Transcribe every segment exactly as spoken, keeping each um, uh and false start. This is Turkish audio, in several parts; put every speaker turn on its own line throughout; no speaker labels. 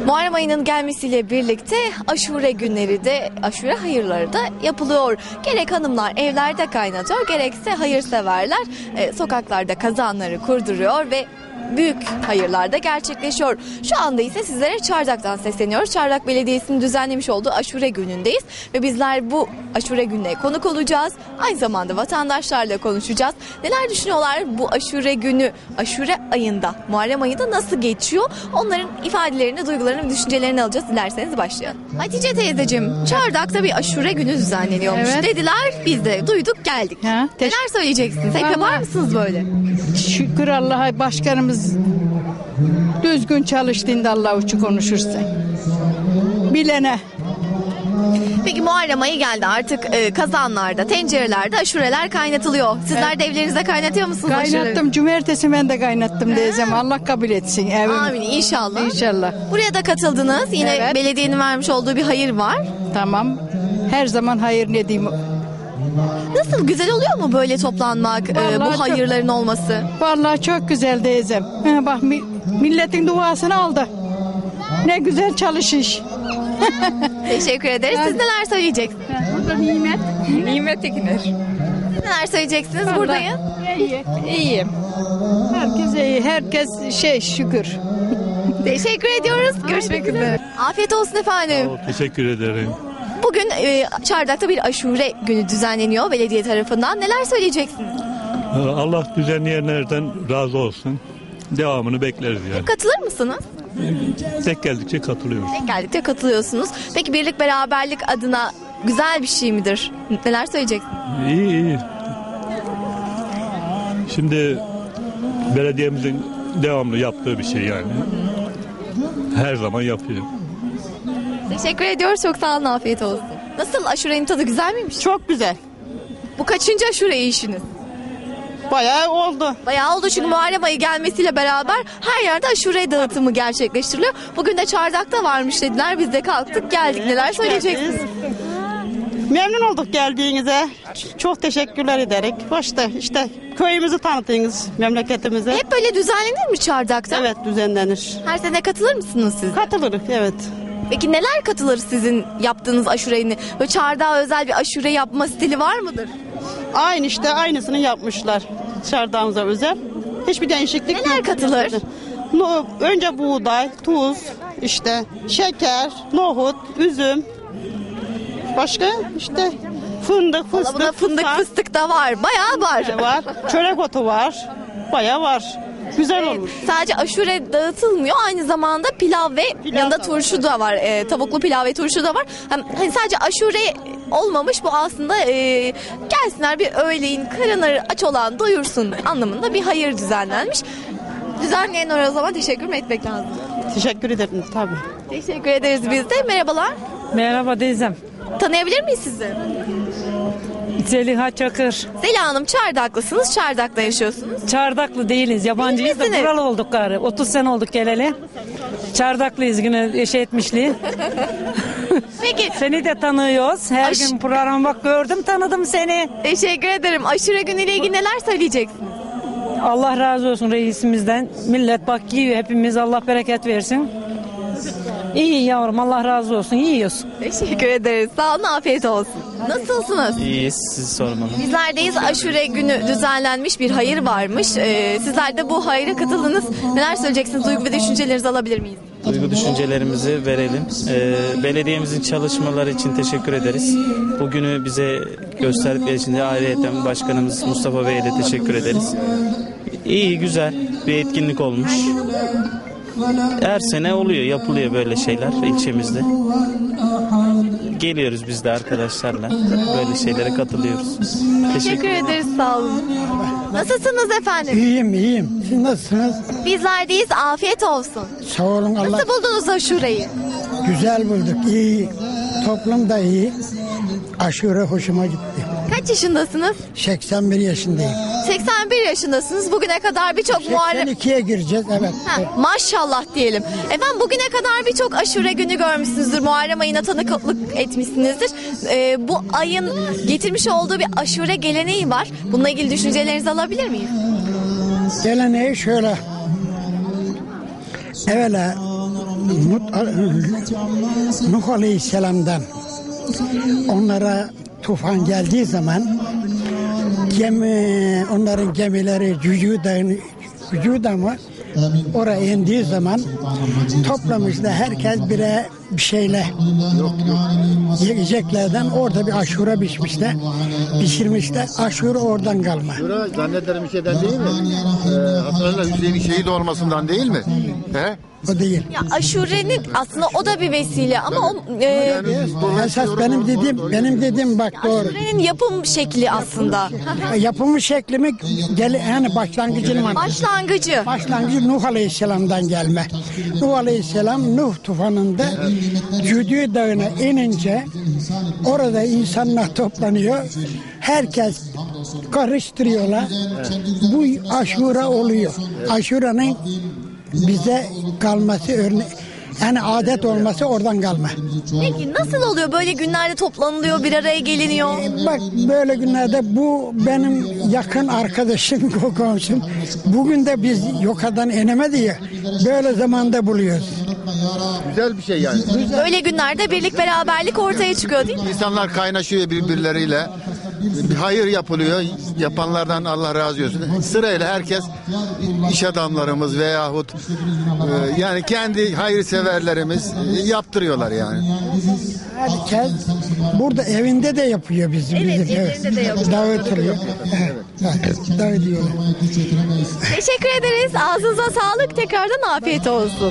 Muharrem ayının gelmesiyle birlikte aşure günleri de, aşure hayırları da yapılıyor. Gerek hanımlar evlerde kaynatıyor, gerekse hayırseverler e, sokaklarda kazanları kurduruyor ve büyük hayırlar da gerçekleşiyor. Şu anda ise sizlere Çardak'tan sesleniyoruz. Çardak Belediyesi'nin düzenlemiş olduğu aşure günündeyiz ve bizler bu aşure gününe konuk olacağız. Aynı zamanda vatandaşlarla konuşacağız. Neler düşünüyorlar bu aşure günü, aşure ayında, Muharrem ayında nasıl geçiyor? Onların ifadelerini, duygularını, düşüncelerini alacağız. Dilerseniz başlayalım. Hatice teyzeciğim, Çardak'ta bir aşure günü düzenleniyormuş. Evet. Dediler, biz de duyduk geldik. Ha, neler söyleyeceksiniz? Hep yapar mısınız böyle?
Şükür Allah'a, başkanımız düzgün çalıştığında Allah uçu konuşursa. Bilene.
Peki Muharrem ayı geldi artık, e, kazanlarda, tencerelerde aşureler kaynatılıyor. Sizler evet. de evlerinizde kaynatıyor musunuz
Kaynattım.
Aşureleri?
Cumartesi ben de kaynattım diyeceğim. Allah kabul etsin. Evet.
Amin inşallah.
İnşallah.
Buraya da katıldınız. Yine evet. belediyenin vermiş olduğu bir hayır var.
Tamam. Her zaman hayır ne diyeyim.
Nasıl, güzel oluyor mu böyle toplanmak, e, bu hayırların çok, olması?
Vallahi çok güzel diyeceğim. Ha, bak mi, milletin duasını aldı. Ne güzel çalışış.
Teşekkür ederiz. Siz neler söyleyeceksiniz?
Burada Nimet.
Nimet Tekiner.
Neler söyleyeceksiniz?
Vallahi
Buradayım.
İyi. İyiyim. Herkes iyi. Herkes şey şükür.
Teşekkür ediyoruz. Görüşmek üzere. Afiyet olsun efendim.
Sağ ol, teşekkür ederim.
Bugün e, Çardak'ta bir aşure günü düzenleniyor belediye tarafından. Neler söyleyeceksiniz?
Allah düzenleyenlerden razı olsun. Devamını bekleriz yani.
Katılır mısınız?
Tek geldikçe katılıyoruz.
Tek geldikçe katılıyorsunuz. Peki birlik beraberlik adına güzel bir şey midir? Neler söyleyeceksiniz?
İyi iyi. Şimdi belediyemizin devamlı yaptığı bir şey yani. Her zaman yapıyor.
Teşekkür ediyoruz. Çok sağ olun. Afiyet olsun. Nasıl, aşurenin tadı güzel miymiş?
Çok güzel.
Bu kaçıncı aşure yiyişiniz?
Bayağı oldu.
Bayağı oldu çünkü Muharrem ayı gelmesiyle beraber her yerde aşure dağıtımı gerçekleştiriliyor. Bugün de Çardak'ta varmış dediler. Biz de kalktık geldik. Neler söyleyeceksiniz?
Memnun olduk geldiğinize. Çok teşekkürler ederek. Başta işte köyümüzü tanıttınız, memleketimize.
Hep böyle düzenlenir mi Çardak'ta?
Evet, düzenlenir.
Her sene katılır mısınız siz?
Katılırız, evet.
Peki neler katılır sizin yaptığınız aşurenin? Böyle Çardak'a özel bir aşure yapma stili var mıdır?
Aynı işte aynısını yapmışlar Çardağımıza özel. Hiçbir değişiklik
Neler
yok.
katılır?
No, önce buğday, tuz, işte şeker, nohut, üzüm. Başka işte fındık, fıstık.
Buna fındık,
susam.
fıstık da var. Bayağı var.
Var. Çörek otu var. Bayağı var. Güzel
Evet,
olmuş.
sadece aşure dağıtılmıyor, aynı zamanda pilav ve
Pilav
yanında
da
turşu da var. E, tavuklu pilav ve turşu da var. Hem hani sadece aşure olmamış, bu aslında e, gelsinler bir öğleyin karınları aç olan doyursun anlamında bir hayır düzenlenmiş. Düzenleyenlere o zaman teşekkür mü etmek lazım?
Teşekkür ederim tabii.
Teşekkür ederiz biz de. Merhabalar.
Merhaba teyzem.
Tanıyabilir miyiz sizi?
Zeliha Çakır.
Zeliha Hanım, Çardaklısınız. Çardak'ta yaşıyorsunuz.
Çardaklı değiliz. Yabancıyız da buralı olduk gari. otuz sene olduk geleli. Çardaklıyız yine eşe etmişliği.
Peki.
Seni de tanıyoruz. Her
Aş-
gün program bak gördüm, tanıdım seni.
Teşekkür ederim. Aşure günüyle ilgili neler söyleyeceksiniz?
Allah razı olsun reisimizden. Millet bak yiyor hepimiz. Allah bereket versin. İyi yavrum, Allah razı olsun. Yiyoruz.
Teşekkür ederiz. Sağ olun, afiyet olsun. Nasılsınız?
İyiyiz, sizi sormalı.
Bizlerdeyiz. Aşure günü düzenlenmiş bir hayır varmış. Ee, sizler de bu hayra katıldınız. Neler söyleyeceksiniz? Duygu ve düşüncelerinizi alabilir miyiz?
Duygu düşüncelerimizi verelim. Ee, belediyemizin çalışmaları için teşekkür ederiz. Bugünü bize gösterdikleri için de ayrıyeten başkanımız Mustafa Bey'e de teşekkür ederiz. İyi, güzel bir etkinlik olmuş. Her sene oluyor, yapılıyor böyle şeyler ilçemizde. Geliyoruz biz de arkadaşlarla. Böyle şeylere katılıyoruz.
Teşekkür ederiz. Sağ olun. Nasılsınız efendim?
İyiyim, iyiyim. Siz nasılsınız?
Bizlerdeyiz. Afiyet olsun.
Sağ olun Allah.
Nasıl buldunuz aşureyi?
Güzel bulduk, iyi. Toplum da iyi. Aşure hoşuma gitti.
Kaç yaşındasınız?
seksen bir yaşındayım.
seksen bir yaşındasınız. Bugüne kadar birçok Muharrem...
seksen ikiye gireceğiz, evet.
Ha, maşallah diyelim. Efendim bugüne kadar birçok aşure günü görmüşsünüzdür. Muharrem ayına tanıklık etmişsinizdir. Ee, bu ayın getirmiş olduğu bir aşure geleneği var. Bununla ilgili düşüncelerinizi alabilir miyim?
Geleneği şöyle. Evvela Nuh Aleyhisselam'dan onlara tufan geldiği zaman gemi, onların gemileri Cücü'den Cücü'den mı oraya indiği zaman toplamışlar herkes bire bir şeyle yiyeceklerden orada bir aşure biçmişler, pişirmişler. Aşure oradan kalma.
Aşure zannederim şeyden değil mi? Ee, hatırlarlar Hüseyin'in şehit olmasından değil mi? He?
O değil.
Ya aşurenin aslında o da bir vesile ama o e,
Yani
Esas benim dediğim, benim dediğim bak doğru.
aşurenin yapım şekli aslında.
Yapımı şeklimi gel yani başlangıcının
Başlangıcı.
başlangıcı Nuh Aleyhisselam'dan gelme. Nuh Aleyhisselam Nuh tufanında Cüdü Dağı'na inince orada insanlar toplanıyor. Herkes karıştırıyorlar. Bu aşure oluyor. Aşurenin bize kalması örne yani adet olması oradan kalma.
Peki nasıl oluyor böyle günlerde toplanılıyor, bir araya geliniyor?
Bak böyle günlerde bu benim yakın arkadaşım, komşum. Bugün de biz yukarıdan inemedi ya. Böyle zamanda buluyoruz.
güzel bir şey yani.
Böyle günlerde birlik beraberlik ortaya çıkıyor değil mi?
İnsanlar kaynaşıyor birbirleriyle. Bir hayır yapılıyor. Yapanlardan Allah razı olsun. Sırayla herkes iş adamlarımız veyahut e, yani kendi hayırseverlerimiz yaptırıyorlar yani.
Herkes burada evinde de yapıyor bizim.
Evet,
bizim.
evlerinde de yapıyor.
Dağıtılıyor. Evet, evet, dağıtıyorlar.
Teşekkür ederiz. Ağzınıza sağlık. Tekrardan afiyet olsun.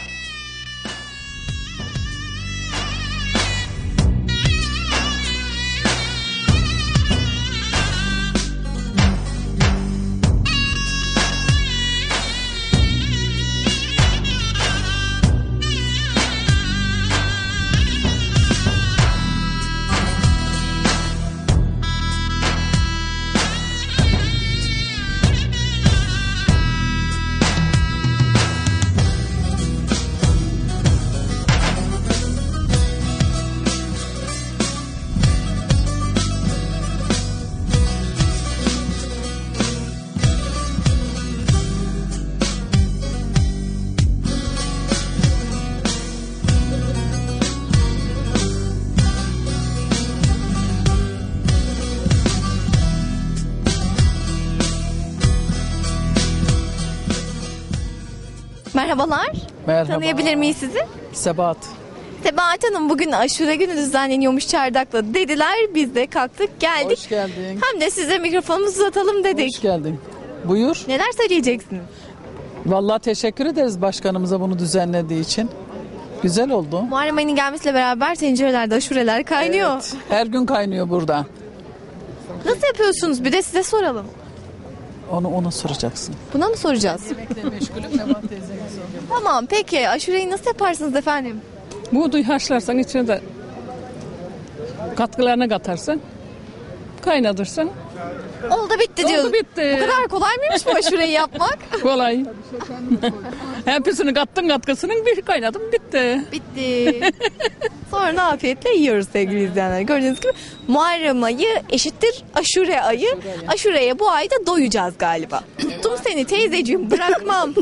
Merhabalar.
Merhaba.
Tanıyabilir miyiz sizi?
Sebat.
Sebahat Hanım bugün aşure günü düzenleniyormuş Çardak'ta dediler. Biz de kalktık geldik.
Hoş geldin.
Hem de size mikrofonumuzu uzatalım dedik.
Hoş geldin. Buyur.
Neler söyleyeceksiniz?
Vallahi teşekkür ederiz başkanımıza bunu düzenlediği için. Güzel oldu.
Muharrem ayının gelmesiyle beraber tencerelerde aşureler kaynıyor.
Evet, her gün kaynıyor burada.
Nasıl yapıyorsunuz? Bir de size soralım.
Onu ona soracaksın.
Buna mı soracağız?
Meşgulüm Nebat teyzene soruyorum.
Tamam peki aşureyi nasıl yaparsınız efendim?
Buğday haşlarsan içine de katkılarını katarsın. Kaynatırsın.
Oldu bitti
Oldu,
diyoruz.
bitti.
Bu kadar kolay mıymış bu aşureyi yapmak?
Kolay. Hepsini kattın katkısının bir kaynadım bitti.
Bitti. Sonra afiyetle yiyoruz sevgili izleyenler. Gördüğünüz gibi Muharrem ayı eşittir aşure ayı. Aşureye bu ayda doyacağız galiba. Tuttum seni teyzeciğim bırakmam.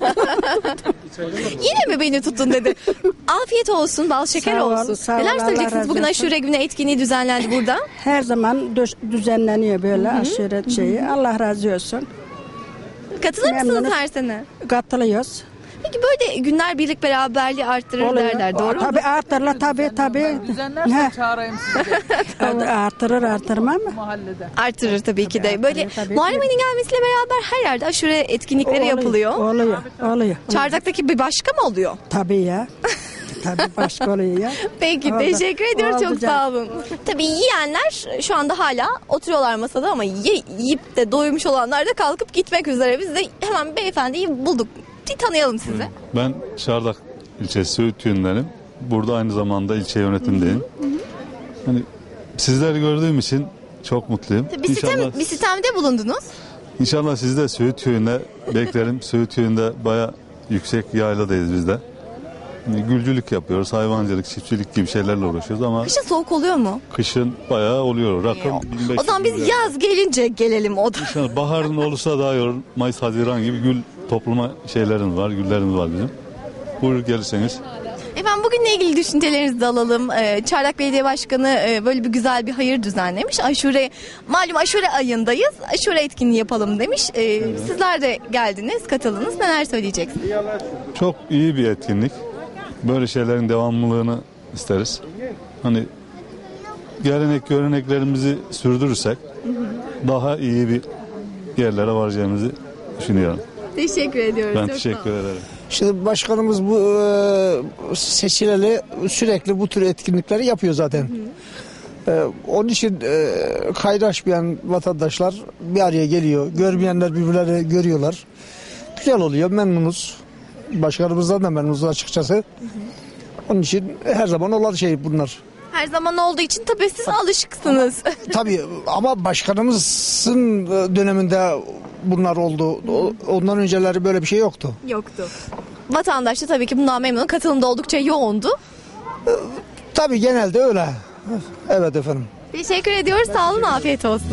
Yine mi beni tuttun dedi. Afiyet olsun, bal şeker
Sağ ol,
olsun.
sağ ol,
Neler
Allah
söyleyeceksiniz?
razı
Bugün
olsun.
aşure günü etkinliği düzenlendi burada.
Her zaman dö- düzenleniyor böyle aşure şeyi. Allah razı olsun.
Katılır mısınız
Memnunuz.
her sene?
Katılıyoruz.
Peki böyle günler birlik beraberliği arttırır derler doğru mu?
Tabii artırırlar tabii tabii.
Düzenlersen
He.
çağırayım sizi
Artırır artırmam mı?
mahallede.
Artırır tabii ki de. Böyle
Tabii, tabii.
Muharrem ayının gelmesiyle beraber her yerde aşure etkinlikleri yapılıyor.
Oluyor. Oluyor.
Çardak'taki bir başka mı oluyor?
Tabii ya. Tabii başka oluyor ya.
Peki
Oldu.
teşekkür ediyoruz
Oldu
çok
canım.
sağ olun. Tabii yiyenler şu anda hala oturuyorlar masada ama ye, yiyip de doymuş olanlar da kalkıp gitmek üzere. Biz de hemen beyefendiyi bulduk. Bir tanıyalım sizi.
Ben Çardak ilçesi Söğüt Köyü'ndenim. Burada aynı zamanda ilçe yönetimdeyim. Hani sizleri gördüğüm için çok mutluyum.
Bir, sitem,
İnşallah,
bir sistemde bulundunuz.
inşallah sizi de Söğüt Köyü'nde beklerim. Söğüt Köyü'nde baya yüksek yayladayız biz de. Hani gülcülük yapıyoruz, hayvancılık, çiftçilik gibi şeylerle uğraşıyoruz ama
Kışın soğuk oluyor mu?
kışın bayağı oluyor. Rakım bin beş yüz
O zaman biz
lira.
yaz gelince gelelim o da.
İnşallah baharın olursa daha iyi olur. Mayıs, Haziran gibi gül toplama şeylerimiz var, güllerimiz var bizim. buyur gelirseniz.
Efendim bugünle ilgili düşüncelerinizi de alalım. Ee, Çardak Belediye Başkanı e, böyle bir güzel bir hayır düzenlemiş. Aşure, malum aşure ayındayız. Aşure etkinliği yapalım demiş. Ee, sizler de geldiniz, katıldınız. Neler söyleyeceksiniz?
Çok iyi bir etkinlik. Böyle şeylerin devamlılığını isteriz. Hani gelenek göreneklerimizi sürdürürsek daha iyi bir yerlere varacağımızı düşünüyorum.
Teşekkür ediyoruz.
Ben
Çok
teşekkür
sağ olun.
ederim.
Şimdi başkanımız bu e, seçileli sürekli bu tür etkinlikleri yapıyor zaten. E, onun için e, kaynaşmayan vatandaşlar bir araya geliyor. Görmeyenler birbirlerini görüyorlar. Güzel oluyor, memnunuz. Başkanımızdan da memnunuz açıkçası. Hı hı. Onun için her zaman olan şey bunlar.
Her zaman olduğu için tabii siz alışıksınız.
Tabii ama başkanımızın döneminde bunlar oldu. Ondan önceleri böyle bir şey yoktu.
Yoktu. Vatandaş da tabii ki bundan memnun. Katılım da oldukça yoğundu.
Tabii genelde öyle. Evet efendim.
Teşekkür ediyoruz. Sağ olun. Afiyet olsun.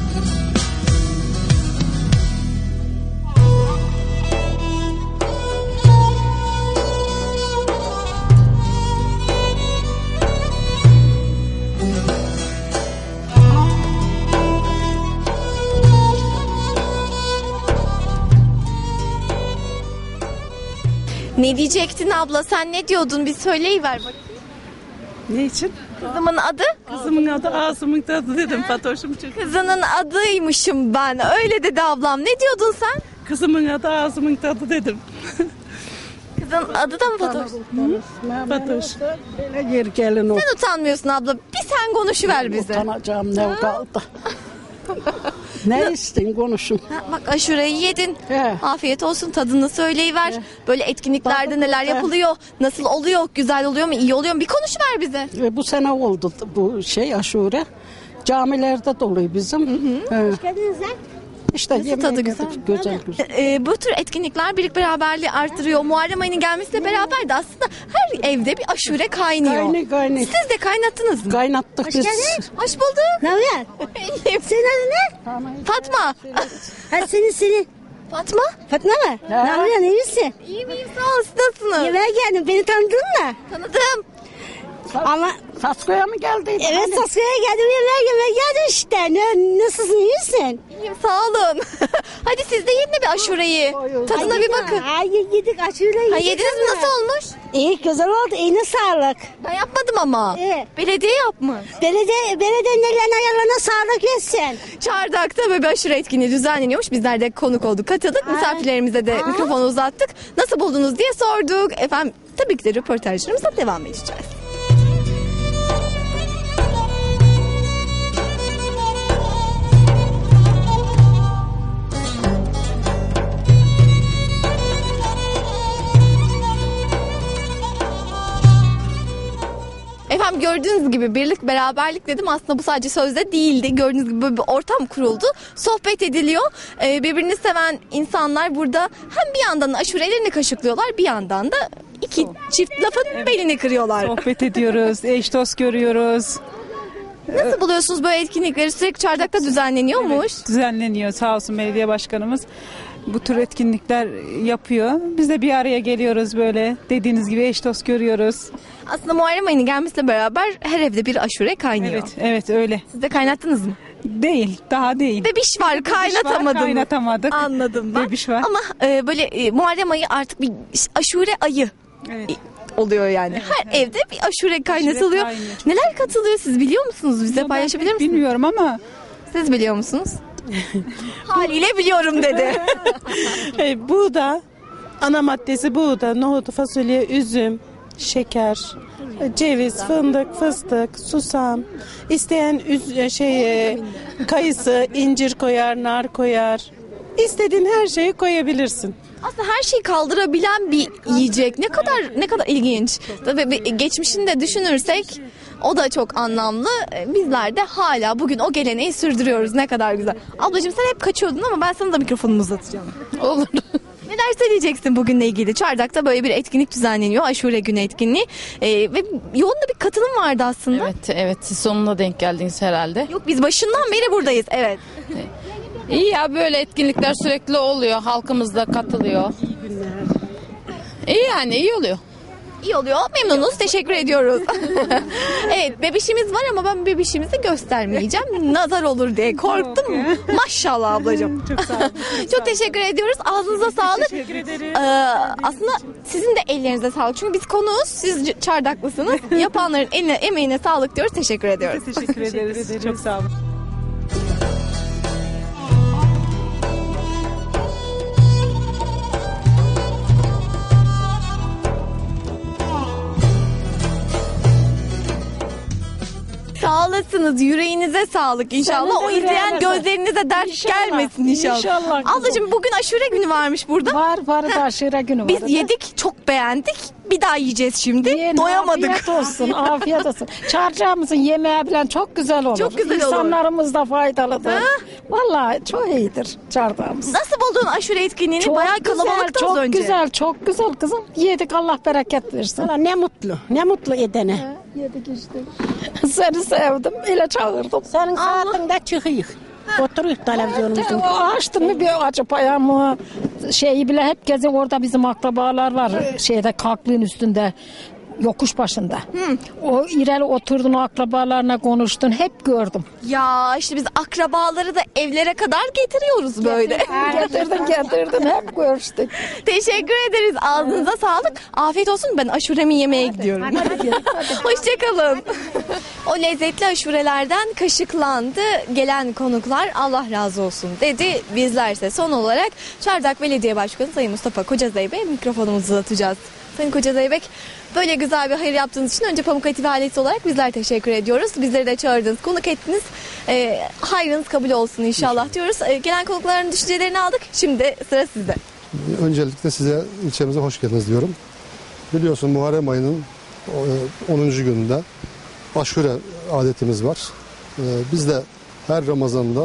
Ne diyecektin abla? Sen ne diyordun? Bir söyleyiver bakayım.
Ne için?
Kızımın adı?
Kızımın adı Asım'ın tadı dedim Fatoş'um çünkü.
Kızının adıymışım ben. Öyle dedi ablam. Ne diyordun sen?
Kızımın adı Asım'ın tadı dedim.
Kızın adı da mı Fatoş?
Fatoş.
Yer gelin o.
Sen utanmıyorsun abla. Bir sen konuşuver bize.
Utanacağım ne kaldı. Ne istin konuşun.
Ha, bak aşureyi yedin.
He.
Afiyet olsun, tadını söyleyiver. Böyle etkinliklerde
Tadı
neler
güzel.
yapılıyor? Nasıl oluyor? Güzel oluyor mu? İyi oluyor mu? Bir konuşuver bize.
Ve bu sene oldu bu şey aşure. Camilerde doluyor bizim. Hoş geldiniz. İşte
Nasıl tadı güzel?
Güzel güzel.
Ee, bu tür etkinlikler birlik beraberliği artırıyor. Muharrem ayının gelmesiyle beraber de aslında her evde bir aşure kaynıyor.
Kaynıyor, kaynıyor.
Siz de kaynattınız mı?
Kaynattık
Hoş
biz.
geldin. Hoş bulduk.
Ne haber? Senin adın ne?
Fatma.
Hadi senin seni.
Fatma.
Fatma mı? Ne yapıyorsun? İyi misin?
İyiyim iyiyim sağ ol. Siz nasılsınız?
Yemeğe geldim. Beni tanıdın mı?
Tanıdım.
Ama
Saskoya mı geldin?
evet Saskı'ya geldim. Yemeğe yemeğe geldim işte. Ne, nasılsın? İyi misin?
İyiyim sağ olun. Hadi siz de yedin bir aşureyi. Tadına bir bakın.
Hayır yedik aşure yedik.
Ha, yediniz mi?
ama.
Nasıl olmuş?
İyi güzel oldu. Eline sağlık.
Ben yapmadım ama.
Evet.
Belediye yapmış.
Belediye, belediyenin ellerine ayarlarına sağlık versin.
Çardak'ta böyle bir aşure etkinliği düzenleniyormuş. Bizler de konuk olduk, katıldık. Misafirlerimize de mikrofonu uzattık. Nasıl buldunuz diye sorduk. Efendim tabii ki de röportajlarımıza devam edeceğiz. Efendim gördüğünüz gibi birlik beraberlik dedim, aslında bu sadece sözde değildi. Gördüğünüz gibi böyle bir ortam kuruldu. Sohbet ediliyor. Ee, birbirini seven insanlar burada hem bir yandan aşurelerini kaşıklıyorlar, bir yandan da iki çift lafın belini kırıyorlar.
Sohbet ediyoruz, eş dost görüyoruz.
Nasıl buluyorsunuz böyle etkinlikleri? Sürekli Çardak'ta düzenleniyormuş.
Evet, düzenleniyor sağ olsun belediye başkanımız. Bu tür etkinlikler yapıyor. Biz de bir araya geliyoruz böyle. Dediğiniz gibi eş dost görüyoruz.
Aslında Muharrem ayının gelmesiyle beraber her evde bir aşure kaynıyor.
Evet, evet öyle.
Siz de kaynattınız mı?
Değil, daha değil.
Bebiş var, kaynatamadım.
Kaynatamadık.
Anladım ben.
Bebiş var.
Ama e, böyle e, Muharrem ayı artık bir aşure ayı.
Evet.
Oluyor yani.
Evet,
Her
evet.
evde bir aşure kaynatılıyor.
kaynıyor.
Neler katılıyor siz biliyor musunuz? Bize
Ben
paylaşabilir
pek
misiniz?
Bilmiyorum ama
Siz biliyor musunuz? Haliyle biliyorum dedi.
E, buğda, ana maddesi buğda, nohut, fasulye, üzüm, şeker, e, ceviz, fındık, fıstık, susam. İsteyen üz, e, şey e, kayısı, incir koyar, nar koyar. İstediğin her şeyi koyabilirsin.
Aslında her şeyi kaldırabilen bir yiyecek. Ne kadar ne kadar ilginç. Tabii bir geçmişini de düşünürsek o da çok anlamlı. Bizler de hala bugün o geleneği sürdürüyoruz. Ne kadar güzel. Ablacığım sen hep kaçıyordun ama ben sana da mikrofonumu uzatacağım.
Olur.
Neler söyleyeceksin bugünle ilgili? Çardak'ta böyle bir etkinlik düzenleniyor. Aşure Günü etkinliği. Ee, ve yoğun da bir katılım vardı aslında.
Evet, evet. Siz sonuna denk geldiniz herhalde.
Yok biz başından beri buradayız. Evet.
İyi ya, böyle etkinlikler sürekli oluyor. Halkımız da katılıyor. İyi yani iyi oluyor.
İyi oluyor. Memnunuz. Teşekkür ediyoruz. Evet, bebişimiz var ama ben bebişimizi göstermeyeceğim. Nazar olur diye korktum. Maşallah ablacığım. Çok sağ olun. Çok teşekkür ediyoruz. Ağzınıza sağlık.
Teşekkür ederim.
Ee, aslında sizin de ellerinize sağlık. Çünkü biz konuğuz. Siz c- çardaklısınız. Yapanların eline, emeğine sağlık diyoruz. Teşekkür ediyoruz.
Teşekkür ederiz. Çok sağ olun.
Sağ olasınız. Yüreğinize sağlık inşallah.
Senin de
O izleyen
yüreğine sağlık.
gözlerinize dert
İnşallah,
gelmesin inşallah.
inşallah kızım.
Ablacığım bugün aşure günü varmış burada.
Var var da aşure günü var.
Biz yedik, çok beğendik. Bir daha yiyeceğiz şimdi.
Yiyin,
Doyamadık.
Afiyet olsun, afiyet olsun. Çarşağımızın yemeği falan çok güzel olur.
Çok güzel olur.
İnsanlarımız da faydalıdır.
Ha?
Vallahi çok iyidir çardağımız.
Nasıl buldun aşure etkinliğini? Bayağı kalabalıktı
çok
az önce.
güzel, çok güzel kızım. Yedik, Allah bereket versin.
Valla ne mutlu, ne mutlu edene.
Yedik işte. Seni sevdim, öyle çağırdım.
Senin saatinde çıkıyık. Oturuyoruz televizyonumuzun.
Açtın mı bir acı payamı, şeyi bile hep gezin, orada bizim akrabalar var. Şeyde kalklığın üstünde. Yokuş başında. O ileri oturdun, o akrabalarına konuştun, hep gördüm.
Ya işte biz akrabaları da evlere kadar getiriyoruz böyle.
Getirdin getirdin, hep görüştük.
Teşekkür ederiz. Ağzınıza sağlık. Afiyet olsun. Ben aşuremi yemeye gidiyorum. Hoşçakalın. O lezzetli aşurelerden kaşıklandı. Gelen konuklar Allah razı olsun dedi. Bizlerse son olarak Çardak Belediye Başkanı Sayın Mustafa Kocazeybek'e mikrofonumuzu uzatacağız. Sayın Kocazeybek, böyle güzel bir hayır yaptığınız için önce Pamuk Ativi ailesi olarak bizler teşekkür ediyoruz. Bizleri de çağırdınız, konuk ettiniz. E, hayrınız kabul olsun inşallah diyoruz. E, gelen konukların düşüncelerini aldık. Şimdi sıra sizde.
Öncelikle size ilçemize hoş geldiniz diyorum. Biliyorsun Muharrem ayının onuncu gününde aşure adetimiz var. E, biz de her Ramazan'da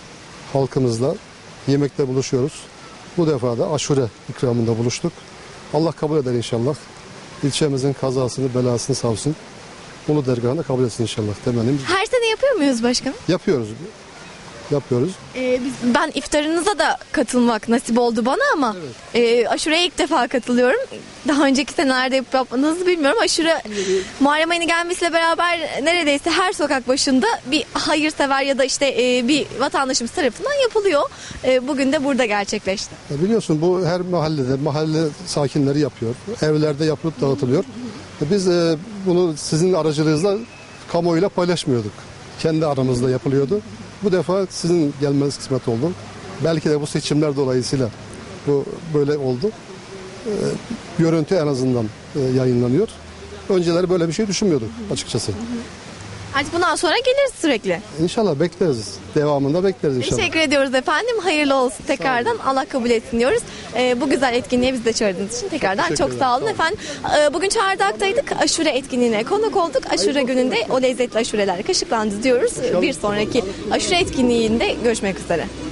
halkımızla yemekte buluşuyoruz. Bu defa da aşure ikramında buluştuk. Allah kabul eder inşallah. İlçemizin kazasını, belasını savsun. Ulu dergahında kabul etsin inşallah temennim.
Her sene yapıyor muyuz başkanım?
Yapıyoruz. Yapıyoruz.
Ee, biz, ben iftarınıza da katılmak nasip oldu bana ama e, aşureye ilk defa katılıyorum. Daha önceki senelerde yapıp yapmadığınızı bilmiyorum. Aşure Muharrem ayının gelmesiyle beraber neredeyse her sokak başında bir hayırsever ya da işte e, bir vatandaşımız tarafından yapılıyor. E, bugün de burada gerçekleşti.
E biliyorsun bu her mahallede, mahalle sakinleri yapıyor. Evlerde yapılıp dağıtılıyor. E biz e, bunu sizin aracılığınızla kamuoyuyla paylaşmıyorduk. Kendi aramızda yapılıyordu. Bu defa sizin gelmeniz kısmet oldu. Belki de bu seçimler dolayısıyla bu böyle oldu. E, görüntü en azından e, yayınlanıyor. Önceleri böyle bir şey düşünmüyorduk açıkçası.
Artık bundan sonra geliriz sürekli.
İnşallah bekleriz. Devamında bekleriz inşallah.
Teşekkür ediyoruz efendim. Hayırlı olsun tekrardan. Allah kabul etsin diyoruz. Ee, bu güzel etkinliğe bizi de çağırdığınız için tekrardan
Teşekkür
çok
ederim.
sağ olun efendim. Ee, bugün Çardak'taydık. Aşure etkinliğine konuk olduk. Aşure gününde o lezzetli aşureler kaşıklandı diyoruz. Bir sonraki aşure etkinliğinde görüşmek üzere.